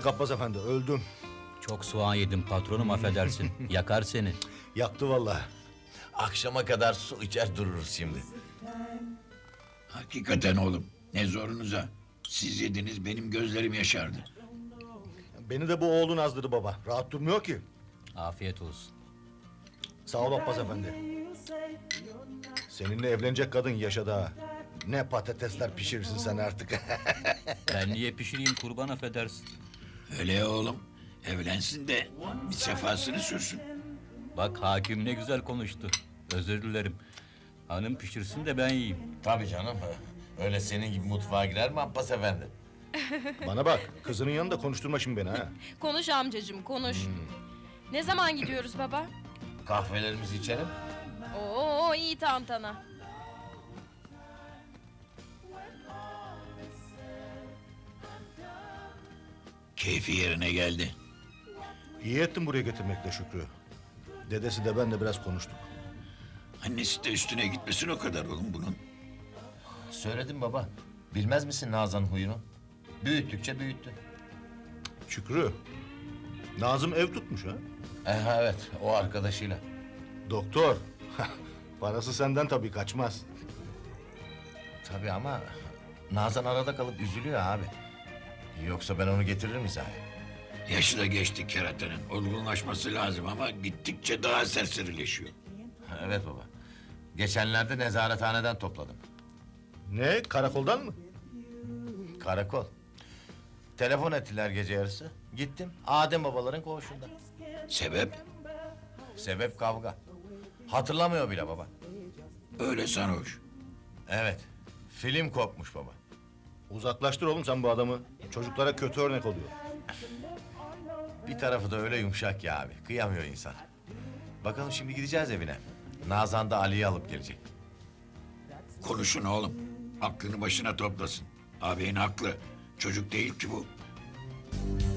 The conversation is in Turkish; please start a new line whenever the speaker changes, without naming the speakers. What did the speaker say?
Yandık Abbas Efendi, öldüm.
Çok soğan yedim patronum, affedersin. Yakar seni.
Yaktı vallahi.
Akşama kadar su içer dururuz şimdi.
Hakikaten oğlum, ne zorunuza. Siz yediniz, benim gözlerim yaşardı.
Beni de bu oğlun azdırdı baba. Rahat durmuyor ki.
Afiyet olsun.
Sağ ol Abbas Efendi. Seninle evlenecek kadın yaşadı ha. Ne patatesler pişirirsin sen artık.
Ben niye pişireyim kurban, affedersin.
Öyle ya oğlum, evlensin de bir sefasını sürsün.
Bak hakim ne güzel konuştu. Özür dilerim. Hanım pişirsin de ben yiyeyim.
Tabii canım. Öyle senin gibi mutfağa girer mi Abbas Efendi?
Bana bak, kızının yanında konuşturma şimdi beni ha.
Konuş amcacığım, konuş. Ne zaman gidiyoruz baba?
Kahvelerimizi içelim.
Oo, iyi tantana.
Keyfi yerine geldi.
İyi ettin buraya getirmekle Şükrü. Dedesi de ben de biraz konuştuk.
Annesi de üstüne gitmesin o kadar oğlum bunun.
Söyledim baba. Bilmez misin Nazan'ın huyunu? Büyüttükçe büyüttü.
Şükrü, Nazım ev tutmuş ha.
Evet, o arkadaşıyla.
Doktor, parası senden tabii kaçmaz.
Tabii ama Nazan arada kalıp üzülüyor abi. Yoksa ben onu getiririm hizaya.
Yaşı da geçti keratanın. Olgunlaşması lazım ama gittikçe daha serserileşiyor.
Evet baba. Geçenlerde nezarethaneden topladım.
Ne, karakoldan mı?
Karakol. Telefon ettiler gece yarısı. Gittim. Adem babaların koğuşunda.
Sebep?
Sebep kavga. Hatırlamıyor bile baba.
Öyle sarhoş.
Evet. Film kopmuş baba.
Uzaklaştır oğlum sen bu adamı. Çocuklara kötü örnek oluyor.
Bir tarafı da öyle yumuşak ya abi. Kıyamıyor insan. Bakalım şimdi gideceğiz evine. Nazan da Ali'yi alıp gelecek.
Konuşun oğlum. Aklını başına toplasın. Ağabeyin haklı. Çocuk değil ki bu.